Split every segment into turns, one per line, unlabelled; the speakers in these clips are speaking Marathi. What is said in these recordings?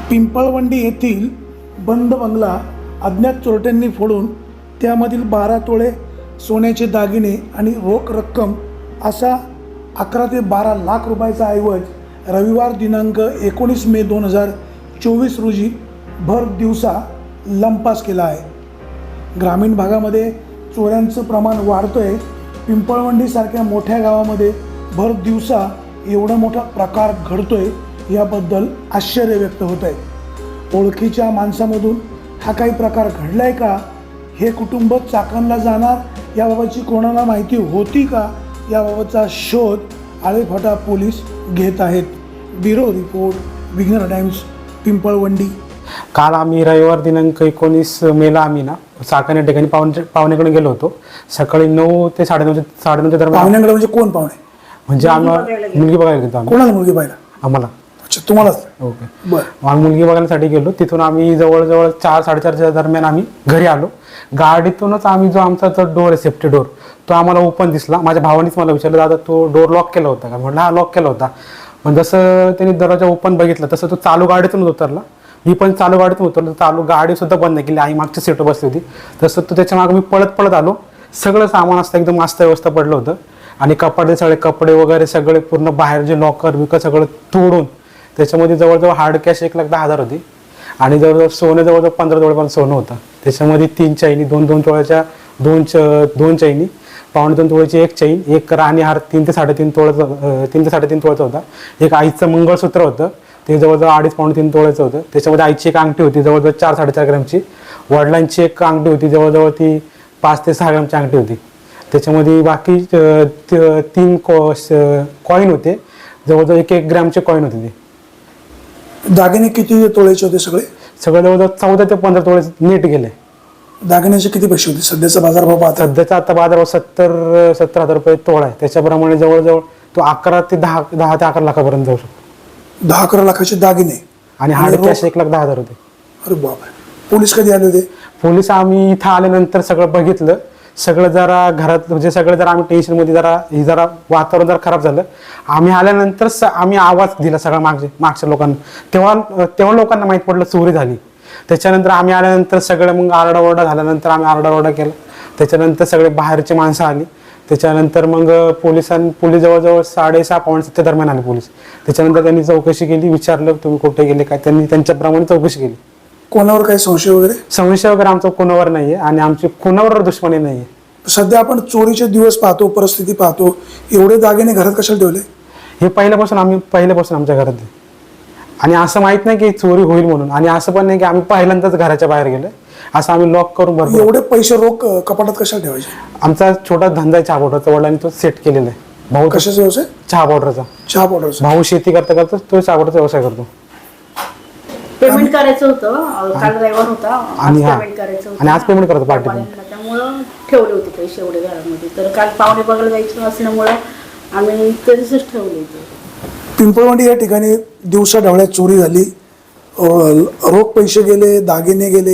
पिंपळवंडी येथील बंद बंगला अज्ञात चोरट्यांनी फोडून त्यामधील 12 तोळे सोन्याचे दागिने आणि रोख रक्कम असा 11 ते 12 लाख रुपयाचा ऐवज रविवार दिनांक 19 मे 2024 रोजी भर दिवसा लंपास केला आहे। ग्रामीण भागामध्ये चोऱ्यांचं प्रमाण वाढतोय। पिंपळवंडीसारख्या मोठ्या गावामध्ये भर दिवसा एवढा मोठा प्रकार घडतोय याबद्दल आश्चर्य व्यक्त होत आहे। ओळखीच्या माणसामधून हा काही प्रकार घडलाय का, हे कुटुंब चाकणला जाणार याबाबतची कोणाला माहिती होती का, याबाबतचा शोध आळेफाटा पोलीस घेत आहेत। Bureau report, Vighnar Times, Pimpalwandi.
काल आम्ही रविवार दिनांक 19 मेला आम्ही ना चाकण या ठिकाणी पाहुण्याकडे गेलो होतो। सकाळी 9 ते 9:30 दरम्यान।
पाहुण्याकडे म्हणजे कोण पाहुणे?
म्हणजे आम्ही मुलगी बघायला गेलो आम्ही।
कोणाला मुलगी पाहिला?
आम्हाला।
अच्छा, तुम्हालाच?
ओके,
बरं।
आम्ही मुलगी बघण्यासाठी गेलो। तिथून आम्ही जवळजवळ 4-4:30च्या दरम्यान आम्ही घरी आलो। गाडीतूनच आम्ही जो आमचा तो डोर आहे, सेफ्टी डोर, तो आम्हाला ओपन दिसला। माझ्या भावानेच मला विचारलं, दादा तो डोर लॉक केला होता का? म्हटलं हा, लॉक केला होता। पण जसं त्यांनी दरवाजा ओपन बघितला तसं तो चालू गाडीतून उतरला। मी पण चालू गाडीतून उतरलो, चालू गाडी सुद्धा बंद नाही केली। आई मागच्या सीटवर बसली होती। तसं तो त्याच्या मागे मी पळत आलो। सगळं सामान असतं एकदम मस्त व्यवस्था पडलं होतं आणि कपाटे, सगळे कपडे वगैरे सगळे पूर्ण बाहेर जे लॉकर विकर सगळं तोडून त्याच्यामध्ये जवळजवळ हार्ड कॅश 1,10,000 होती आणि जवळजवळ सोनं जवळजवळ 15 तोळेपर्यंत सोनं होतं। त्याच्यामध्ये 3 चैनी, 2 तोळ्याच्या 2 चैनी, 2.25 तोळ्याची 1 चैन, एक राणीहार 3 ते 3.5 तोळ्याचा होता। एक आईचं मंगळसूत्र होतं, ते जवळजवळ 2.5-3 तोळ्याचं होतं। त्याच्यामध्ये आईची एक अंगठी होती जवळजवळ 4-4.5 ग्रॅमची। वडिलांची एक अंगठी होती जवळजवळ ती 5 ते 6 ग्रॅमची अंगठी होती। त्याच्यामध्ये बाकी 3 कॉईन होते, जवळजवळ 1 ग्रॅमचे कॉईन होते ते।
दागिने किती तोळ्याचे होते? सगळे
जवळजवळ 14 ते 15 तोळे नेट गेले।
दागिन्याचे किती पैसे होते? सध्याचा बाजारभाव पाहता?
सध्याचा आता बाजारभाव 70,000 रुपये तोळा आहे। त्याच्याप्रमाणे जवळजवळ तो 10 ते 11 लाखापर्यंत जाऊ शकतो।
10-11 लाखाचे दागिने
आणि हार्ड कॅश 1,10,000 होते।
अरे बापरे! पोलीस कधी आले होते?
पोलीस आम्ही इथं आल्यानंतर सगळं बघितलं। सगळं जरा घरात म्हणजे सगळं जरा आम्ही टेन्शनमध्ये जरा वातावरण जरा खराब झालं। आम्ही आल्यानंतर आम्ही आवाज दिला सगळ्या मागच्या लोकांना। तेव्हा लोकांना माहीत पडलं चोरी झाली। त्याच्यानंतर आम्ही आल्यानंतर सगळं मग आरडाओरडा झाल्यानंतर आम्ही आरडाओरडा केला। त्याच्यानंतर सगळे बाहेरची माणसं आली। त्याच्यानंतर मग पोलीस जवळजवळ 6:30-7 दरम्यान आले पोलीस। त्याच्यानंतर त्यांनी चौकशी केली, विचारलं तुम्ही कुठे गेले काय, त्यांनी त्यांच्याप्रमाणे चौकशी केली।
कोणावर काही संशय वगैरे?
संशय वगैरे आमचा कोणावर नाहीये आणि आमची कोणावर दुश्मनी नाहीये।
सध्या आपण चोरीचे दिवस पाहतो, परिस्थिती पाहतो, एवढे दागिने घरात कशाला ठेवले?
हे पहिल्यापासून आमच्या घरात आहे आणि असं माहित नाही की चोरी होईल म्हणून, आणि असं पण नाही की आम्ही पहिल्यांदाच घराच्या बाहेर गेलो। असं आम्ही लॉक करून भरपूर।
एवढे पैसे रोख कपाटात कशाला ठेवायचे?
आमचा छोटा धंदा आहे चहा पावडरचा, वडिलांनी तो सेट केलेला आहे। भाऊ
कशाचा व्यवसाय?
चहा पावडरचा।
चहा पावडरचा? भाऊ
भाऊ शेती करता तो चहा पावडरचा व्यवसाय करतो।
पेमेंट करायचं होतं, काल रविवार होता
आणि
पेमेंट करायचं होतं
आणि आज पेमेंट करतो पार्टी।
त्यामुळं ठेवले होते पैसे एवढे घरामध्ये। तर काल पाहुणे बघायला जायचं असल्यामुळं आम्ही तरीच ठेवले होते।
पिंपळवंडी या ठिकाणी दिवसा ढवळ्यात चोरी झाली, रोख पैसे गेले, दागिने गेले,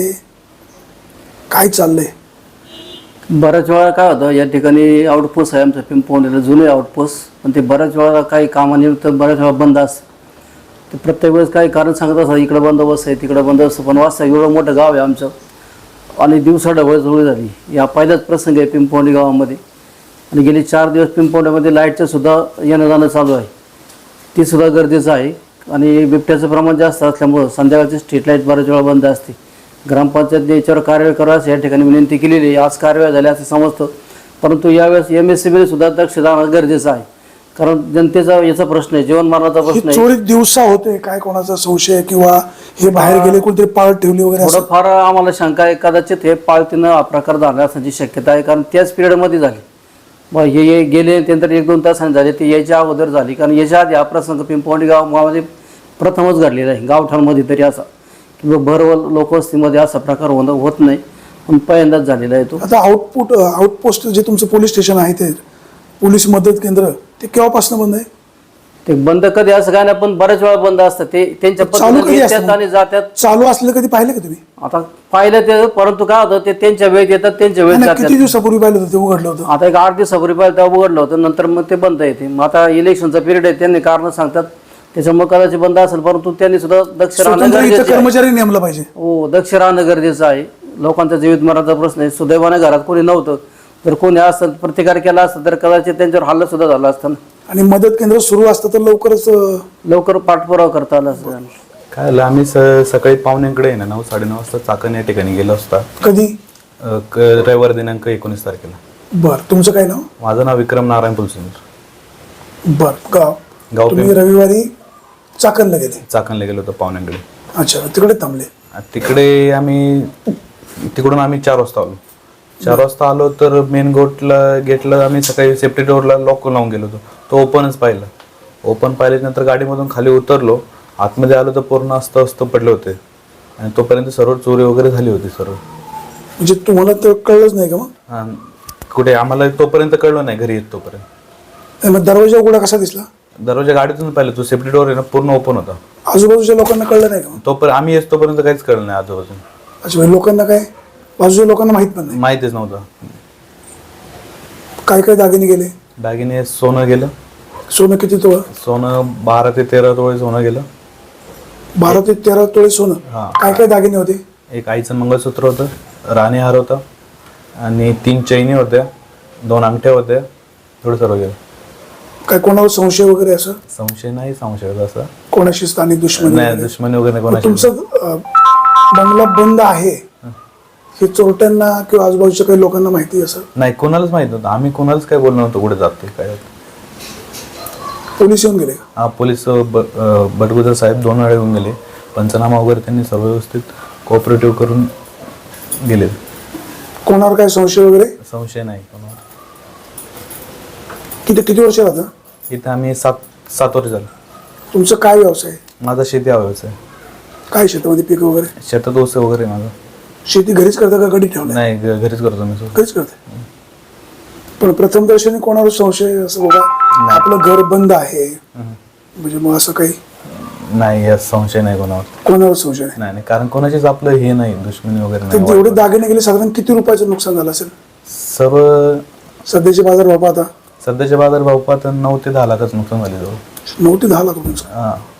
काय चाललंय?
बऱ्याच वेळा काय होतं, या ठिकाणी आउटपोस्ट आहे आमचं पिंपळवंडीला, जुने आउटपोस्ट, पण ते बऱ्याच वेळा काही कामानिमित्त बऱ्याच वेळा बंद असतं। ते प्रत्येक वेळेस काही कारण सांगत असतात, इकडं बंदोबस्त आहे तिकडं बंदोबस्त, पण वास्तव एवढं मोठं गाव आहे आमचं आणि दिवसा ढवळ चोरी झाली। या पहिलाच प्रसंग आहे पिंपळवंडी गावामध्ये आणि गेले 4 दिवस पिंपळवंडीमध्ये लाईटचं सुद्धा येणं जाणं चालू आहे, ती सुद्धा गरजेचं आहे। आणि बिबट्याचं प्रमाण जास्त असल्यामुळं संध्याकाळची स्ट्रीट लाईट बऱ्याच वेळा बंद असते। ग्रामपंचायतने याच्यावर कारवाई करावी या ठिकाणी विनंती केलेली आहे। आज कारवाई झाली असं समजतं, परंतु यावेळेस MSCBने सुद्धा दक्ष देणं गरजेचं आहे, कारण जनतेचा याचा प्रश्न आहे, जीवनमरणाचा प्रश्न आहे।
चोरी दिवसा होते काय, कोणाचा संशय किंवा हे बाहेर गेले कोणतरी पाळत ठेवली वगैरे?
थोडंफार आम्हाला शंका आहे, कदाचित हे पाळतीनं हा प्रकार झाला असण्याची शक्यता आहे, कारण त्याच पिरियडमध्ये झाली। मग हे गेले त्यानंतर 1-2 तासांनी झाले, ते यायच्या अगोदर झाली, कारण याच्या आधी हा प्रसंग पिंपळवंडी गावामध्ये प्रथमच घडलेला आहे गावठाणमध्ये तरी असा, किंवा भर लोकवस्तीमध्ये असा प्रकार होत नाही, पण पहिल्यांदाच झालेला आहे तो।
आता आउटपोस्ट जे तुमचं पोलीस स्टेशन आहे, ते पोलीस मदत केंद्र, ते केव्हापासून बंद आहे?
ते बंद कधी असं काय नाही, पण बऱ्याच वेळा बंद असतात। ते त्यांच्या पद्धतीने येतात आणि जातात।
चालू असलं कधी पाहिलं का तुम्ही?
आता पाहिलं ते, परंतु काय होतं, ते त्यांच्या वेळेत येतात, त्यांच्या वेळेत जातात।
किती दिवसापूर्वी पाहिलं होतं ते उघडलं होतं?
आता एक 8 दिवसापूर्वी पाहिलं तेव्हा उघडलं होतं, नंतर मग ते बंद येते। मग आता इलेक्शनचा पिरियड आहे, त्यांनी कारण सांगतात त्याच्यामुळे कदाचित बंद असेल, परंतु त्यांनी सुद्धा दक्ष राहणं
स्वतंत्र इथं
गरजेचं आहे.
कर्मचारी नेमला पाहिजे.
हो, दक्ष राहणं गरजेचं आहे. लोकांचा जीवित मरणाचा प्रश्न आहे. सुदैवाने घरात कोणी नव्हतं, जर कोणी असतं प्रतिकार केला असतं तर कदाचित त्यांच्यावर हल्ला सुद्धा झाला असता ना.
आणि मदत केंद्र सुरू असतं तर लवकरच
लवकर पाठपुरावा करता आला असता.
काय झालं, आम्ही सकाळी पाहुण्यांकडे आहे ना 9-9:30 वाजता चाकण या ठिकाणी गेलो असता.
कधी?
रविवार दिनांक 19 तारखेला.
बर, तुमचं काय नाव?
माझं नाव विक्रम नारायण फुलसिंगर.
बर, गाव तुम्ही रविवारी चाकणला गेले?
चाकणला गेलो होतो पाहुण्यांकडे.
अच्छा, तिकडे थांबले.
तिकडे तिकडून आम्ही 4 वाजता आलो. 4 वाजता आलो तर मेन गेटला आम्ही सकाळी सेफ्टी डोअरला लॉक लावून गेलो होतो. तो ओपनच पाहिलं. ओपन पाहिल्यानंतर गाडीमधून खाली उतरलो. आतमध्ये आलो तर पूर्ण अस्त पडले होते आणि तोपर्यंत सर्व चोरी वगैरे झाली होती सर्व.
म्हणजे तुम्हाला तर कळलंच नाही का मग?
हा, कुठे आम्हाला तोपर्यंत कळलं नाही घरी येत तोपर्यंत.
मग दरवाजा उघडा कसा दिसला?
दरवाजा गाडीतून पाहिलं, तो सेफ्टी डोअर आहे ना पूर्ण ओपन होता.
आजूबाजूच्या लोकांना कळलं नाही का मग?
तोपर्यंत आम्ही येत तोपर्यंत काहीच कळलं नाही आजूबाजून.
अच्छा, म्हणजे लोकांना काय, बाजूच्या लोकांना माहित पण नाही?
माहितीच नव्हतं.
काय काय दागिने गेले?
दागिने सोनं गेलं.
सोनं किती तोळा?
सोनं 12 ते 13 तोळे सोनं गेलं.
12 ते 13 तोळे सोनं.
हा.
काय काय दागिने होते?
एक आईचं मंगळसूत्र होतं, राणी हार होता आणि 3 चैनी होत्या, 2 अंगठ्या होत्या, एवढं सर्व गेलं.
काय कोणावर संशय वगैरे असं?
संशय नाही, संशय असं
कोणाशी स्थानिक दुश्मनी
नाही,
वगैरे?
दुश्मनी वगैरे नाही
मग
कोणाची.
तुमचं बंगला बंद आहे हे चोरट्यांना किंवा आजूबाजूच्या काही लोकांना माहिती असं?
नाही, कोणालाच माहित नव्हतं. आम्ही कोणालाच काय बोललो नव्हतो कुठे जाते काय.
पोलीस येऊन गेले का?
हा, पोलीस बटगुजर साहेब 2 वेळा येऊन गेले. पंचनामा वगैरे त्यांनी सर्व व्यवस्थित कोऑपरेटिव्ह करून गेले.
कोणावर काय संशय वगैरे?
संशय नाही कोणावर.
किती वर्ष राहता?
इथं आम्ही 7 वर्ष झालं.
तुमचं काय व्यवसाय?
माझा शेती हा व्यवसाय.
काय शेतामध्ये पीक वगैरे?
शेतात ऊस वगैरे माझा.
शेती घरीच करता का गडी ठेवलं?
नाही, घरीच करतो मी.
घरीच करते. पण प्रथम दर्शनी कोणावर संशय असं बघा आपलं घर बंद आहे म्हणजे मग असं काही?
नाही, यात संशय नाही
कोणावर संशय नाही?
नाही, कारण कोणाचीच आपलं हे नाही, दुश्मनी वगैरे
तर
नाही.
जेवढे दागिने गेले साधारण किती रुपयाचं नुकसान झालं असेल?
सर्व
सध्याचे बाजार भाव आता
सध्याच्या बाजार भाव पाहता 9 ते 10 लाखाचं नुकसान झाले जवळ.
9 ते 10 लाख रुपयांचं.
हा.